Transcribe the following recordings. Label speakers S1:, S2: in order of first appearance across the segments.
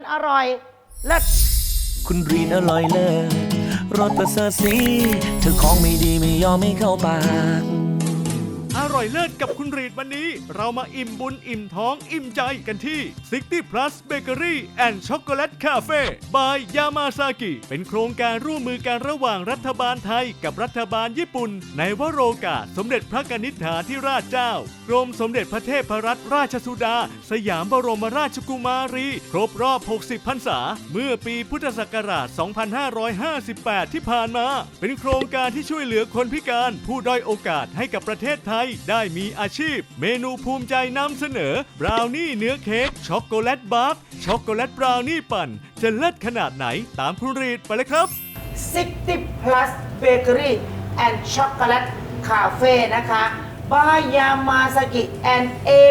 S1: อร่อยเลิศ
S2: คุณรีนอร่อยเลิศรสประเสริฐสีเธอของไม่ดีไม่ยอมไม่เข้าปาก
S3: อร่อยเลิศกับคุณรีดวันนี้เรามาอิ่มบุญอิ่มท้องอิ่มใจกันที่ 60 plus bakery and chocolate cafe by Yamazaki เป็นโครงการร่วมมือกันระหว่างรัฐบาลไทยกับรัฐบาลญี่ปุ่นในวโรกาสสมเด็จพระกนิษฐาธิราชเจ้ากรมสมเด็จพระเทพรัตนราชสุดาสยามบรมราชกุมารีครบรอบ 60 พรรษาเมื่อปีพุทธศักราช 2558 ที่ผ่านมาเป็นโครงการที่ช่วยเหลือคนพิการผู้ด้อยโอกาสให้กับประเทศไทยได้มีอาชีพเมนูภูมิใจนำเสนอบราวนี่เนื้อเค้กช็อกโกแลตบาร์กช็อกโกแลตบราวนี่ปั่นจะเลิศขนาดไหนตามคุณรีดไปเลยครับ
S1: 60 plus bakery and chocolate cafe นะคะ by Yamazaki and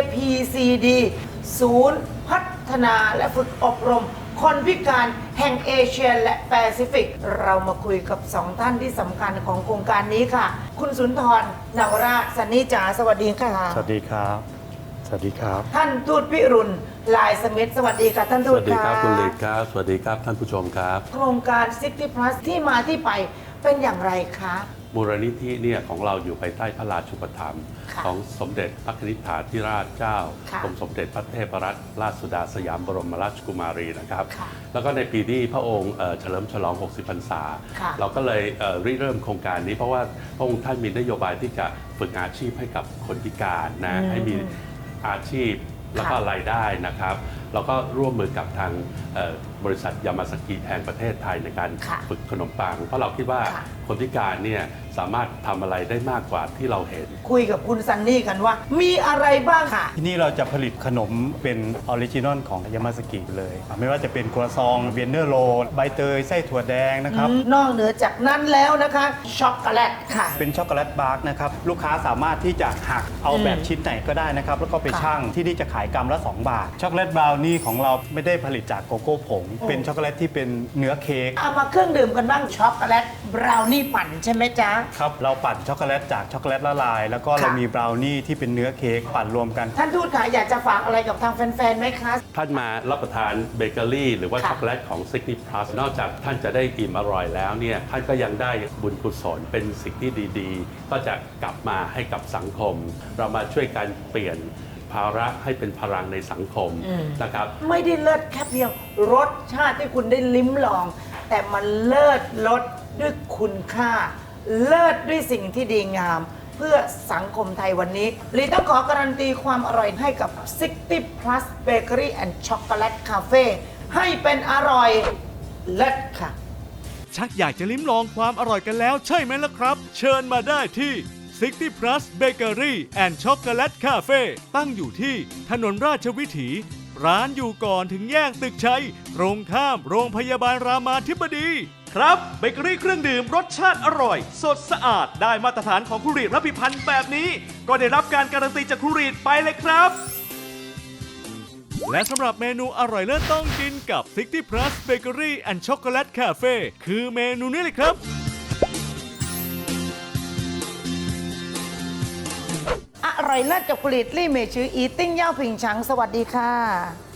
S1: APCD ศูนย์พัฒนาและฝึกอบรมคนพิการแห่งเอเชียและแปซิฟิกเรามาคุยกับสองท่านที่สำคัญของโครงการนี้ค่ะคุณสุนทรนวราชสนิจาสวัสดีค่ะ
S4: สวัสดีครับสวัสดีครับ
S1: ท่านทูตพิรุณลายสมิธสวัสดีค่ะท่านทู
S5: ส
S1: ต
S5: วัสดีครับ
S1: ะ
S5: คุณฤทธิ์ครับสวัสดีครับท่านผู้ชมครับ
S1: โครงการ 60 plus ที่มาที่ไปเป็นอย่างไรคะ
S5: มูลนิธิเนี่ยของเราอยู่ภายใต้พระราชูปถัมภ์
S1: ค่ะ
S5: ของสมเด็จพระนิษฐาธิราชเจ้า
S1: ค่ะ
S5: กรมสมเด็จพระเทพรัตนราชสุดาสยามบรมราชกุมารีนะครับ
S1: ค่ะ
S5: แล้วก็ในปีที่พระองค์เฉลิมฉลอง 60 พรรษา
S1: ค่ะ
S5: เราก็เลยริเริ่มโครงการนี้เพราะว่าพระองค์ท่านมีนโยบายที่จะฝึกอาชีพให้กับคนพิการนะให้มีอาชีพแล้วก็รายได้นะครับเราก็ร่วมมือกับทางบริษัทยามาสกิแห่งประเทศไทยในการ
S1: ค่ะ
S5: ฝึกขนมปังเพราะเราคิดว่า
S1: ค่ะ
S5: คนพิการเนี่ยสามารถทำอะไรได้มากกว่าที่เราเห็น
S1: คุยกับคุณซันนี่กันว่า มีอะไรบ้างค่ะ
S4: ที่นี่เราจะผลิตขนมเป็นออริจินอลของยามาสกิเลย ไม่ว่าจะเป็นครัวซองเวียนเนอร์โรลใบเตยไส้ถั่วแดงนะครับ
S1: นอกเหนือจากนั้นแล้วนะคะช็อกโกแลตค่ะ
S4: เป็นช็อกโกแลตบาร์กนะครับลูกค้าสามารถที่จะหักเอาแบบชิ้นไหนก็ได้นะครับ แล้วก็ไป
S1: ค่ะ
S4: ชั่งที่นี่จะขายกรัมละ 2 บาท ช็อกโกแลตบราวนี่ของเราไม่ได้ผลิตจากโกโก้ผง เป็นช็อกโกแลตที่เป็นเนื้อเค้ก
S1: เอามาเครื่องดื่มกันบ้างช็อกโกแลตบราวนี่ปั่นใช่ไหมจ๊ะ
S4: ครับเราปั่นช็อกโกแลตจากช็อกโกแลตละลาย แล้วก็เรา
S1: ค่ะ
S4: มีบราวนี่ที่เป็นเนื้อเค้กปั่นรวมกัน
S1: ท่านทูตค่ะอยากจะฝากอะไรกับทางแฟนๆไหมคะ
S5: ท่านมารับประทานเบเกอรี่หรือว่า
S1: ค่ะ
S5: ช็อกโกแลตของ 60 plus นอกจากท่านจะได้อิ่มอร่อยแล้วเนี่ยท่านก็ยังได้บุญกุศลเป็นสิ่งที่ดีๆ ก็จะกลับมาให้กับสังคม เรามาช่วยกันเปลี่ยนภาระให้เป็นพลังในสังคมนะครับ
S1: ไม่ได้เลิศแค่เพียงรสชาติที่คุณได้ลิ้มลอง แต่มันเลิศรสด้วยคุณค่า เลิศด้วยสิ่งที่ดีงาม เพื่อสังคมไทยวันนี้ลีต้องขอการันตีความอร่อยให้กับ 60 plus bakery and chocolate cafe ให้เป็นอร่อยเลิศค่ะ
S3: ชักอยากจะลิ้มลองความอร่อยกันแล้วใช่ไหมล่ะครับ เชิญมาได้ที่ 60 plus bakery and chocolate cafe ตั้งอยู่ที่ถนนราชวิถี ร้านอยู่ก่อนถึงแยกตึกชัย ตรงข้ามโรงพยาบาลรามาธิบดี ครับเบเกอรี่เครื่องดื่มรสชาติอร่อย สดสะอาดได้มาตรฐานของครูรีดรับพิพันธ์แบบนี้ ก็ได้รับการการันตีจากครูรีดไปเลยครับ และสำหรับเมนูอร่อยเลิศต้องกินกับ 60 plus bakery and chocolate cafe คือเมนูนี้เลยครับ
S1: อร่อยเลิศกับผลิตลี่เมชืออีติ้งเย่าผิงฉังสวัสดีค่ะ